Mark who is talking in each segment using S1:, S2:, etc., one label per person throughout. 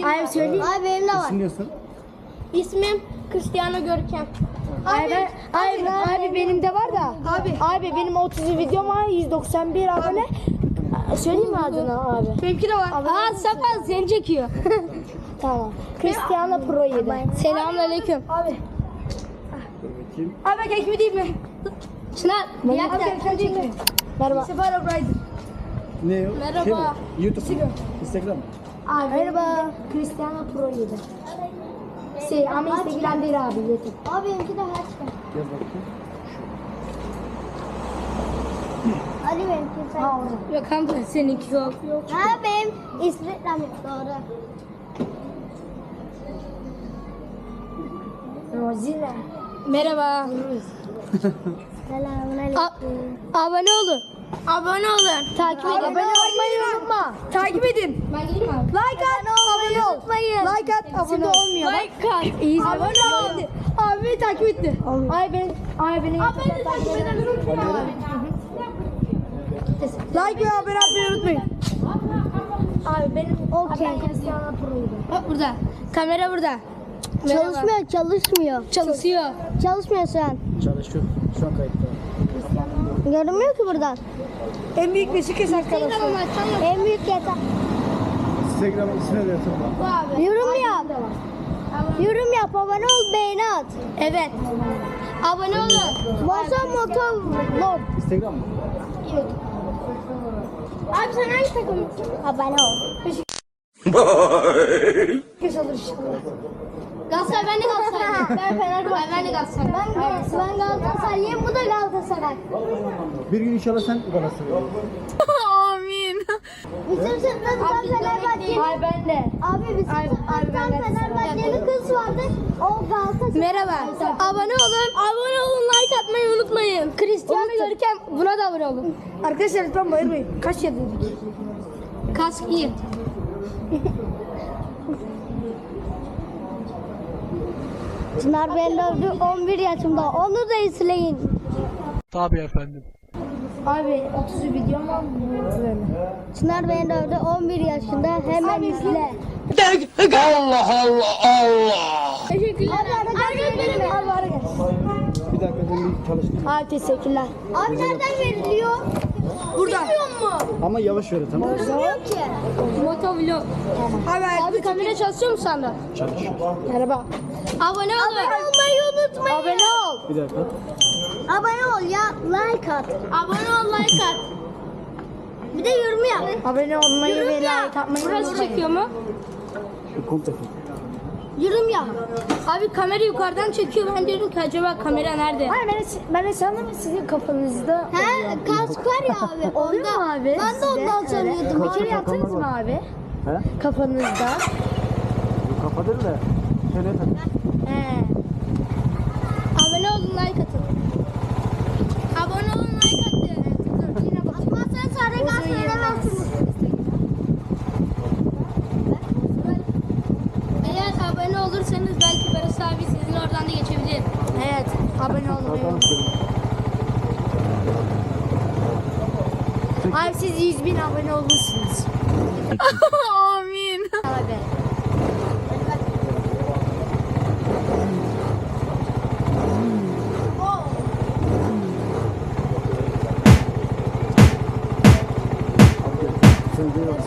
S1: Hayır söyleyeyim.
S2: Abi benim de var.
S3: İsim diyorsun.
S1: İsmim Cristiano Görkem.
S2: Abi benim de var da.
S1: Abi benim 30 videom var, 191 abone. Söyleyeyim mi adını abi?
S2: Benimki de var.
S1: Aa Safa seni çekiyor. Tamam. Cristiano Pro 7. Selamünaleyküm. Abi.
S3: Kim?
S2: Abi kekimi değil mi?
S1: Çınar. Bir dakika. Merhaba.
S2: Sefer O'Brien.
S3: Ne o?
S1: Merhaba.
S3: Şey mi? YouTube mu? Instagram mı?
S1: Abi. Merhaba. Cristiano Pro 7. Ama Instagram değil abi. YouTube.
S2: Abi benimki de hashtag.
S3: Yaz bakayım.
S2: Ali benimki sen.
S1: Yok kanka seninki yok.
S2: Ha benim Instagram yok doğru.
S1: Rozine. Merhaba.
S2: Selamünaleyküm.
S1: Abone olun. Abone olun. Takip edin.
S2: Abone olmayı unutma. Takip edin.
S1: Ben gideyim abi.
S2: Like at, abone ol. Like at, abone ol.
S1: Olmuyor. Like at. İyi.
S2: Abone ol. Abi beni takip etti.
S1: Ay benim.
S2: Like ve abone olmayı unutmayın.
S1: Abi benim.
S2: Okey.
S1: Cristiano Pro'ydu. Bak burada. Kamera burada.
S2: Çalışmıyor.
S1: Çalışıyor.
S2: Çalışmıyor şu an.
S3: Çalışıyor. Şu an kayıtta.
S2: Görünmüyor ki buradan.
S1: En büyük Beşiktaş arkadaşlar.
S2: En büyük yeter.
S3: Instagram ismini de yazın.
S1: Bu abi.
S2: Yorum yap. Yorum yap, abone ol, beğeni at.
S1: Evet. Abone olun.
S2: Moto vlog.
S3: Instagram mı?
S1: Abi sen hangi takımlısın?
S2: Abone ol.
S1: Galatasaray, ben de Galatasaraylıyım. Ben Fenerbahçe. Ben de Galatasaray.
S2: Ben Galatasaraylıyım, bu da Galatasaray.
S3: Bir gün inşallah sen Galatasaray'a.
S1: Amin.
S2: Bizim sınıfta bir tane Fenerbahçeli.
S1: Ay ben de.
S2: Abi bizim sınıfta bir tane Fenerbahçeli kız vardı. O Galatasaray.
S1: Merhaba. Abone olun. Abone olun. Like atmayı unutmayın. Cristiano Görkem. Buna da abone olun.
S2: Arkadaşlar lütfen bayılmayın. Kaç yedik?
S1: Kask iyi.
S2: Çınar beni dövdü 11 yaşımda. Onu da izleyin.
S4: Tabii efendim.
S1: Abi 30 videom var mı?
S2: Çınar beni dövdü 11 yaşında. Hemen izle.
S4: Allah Allah Allah.
S1: Teşekkürler.
S2: Abi ara gel.
S3: Bir dakika ben bir çalıştım.
S1: Abi teşekkürler.
S2: Abi nereden veriliyor?
S1: Buradan.
S3: Ama yavaş ver tamam mı?
S2: Bilmiyor ki.
S1: Motovlog. Abi kamera çalışıyor mu sende?
S3: Çalışıyor.
S1: Merhaba. Abone olun.
S2: Abone olmayı unutmayın.
S1: Abone ol.
S3: Bir dakika.
S2: Abone ol ya. Like at.
S1: Abone ol, like at.
S2: Bir de yorum yap.
S1: Abone olmayı ve like atmayı Burası çekiyor mu?
S3: Şu komple.
S2: Yorum yap.
S1: Abi kamera yukarıdan çekiyor. Ben diyorum ki acaba kamera nerede?
S2: Hayır ben sandım sizin kafanızda. He kask var ya abi.
S1: Oluyor mu abi
S2: Ben de ondan sanıyordum.
S3: Bir kere yaptınız mı
S1: abi?
S3: He?
S1: Kafanızda.
S3: Bu kapadır da. Şöyle tak.
S1: He. Abone olun, like atın. Abone olun, like atın. Yine bak.
S2: Atmazsan sarı gaz veremezsiniz.
S1: Eğer abone olursanız belki Barış abi sizin oradan da geçebilir. Evet, abone olmayı unutmayın. Abi siz 100.000 abone olmuşsunuz. Amin. Abi.
S3: Sen de yok.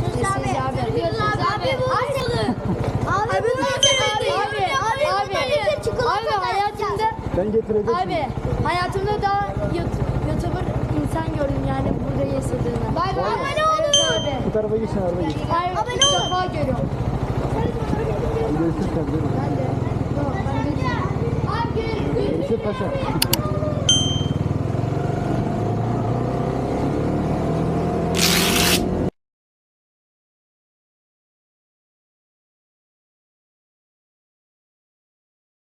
S3: Ben getireceğim.
S1: Abi hayatımda daha YouTuber insan gördüm yani burada yaşadığını. Bay bay. Abone olun.
S3: Bu tarafa geçin arada geç.
S1: Abone olun. İlk defa görüyorum.
S3: Görüşürüz.
S1: Ben de.
S3: Görüşürüz paşa.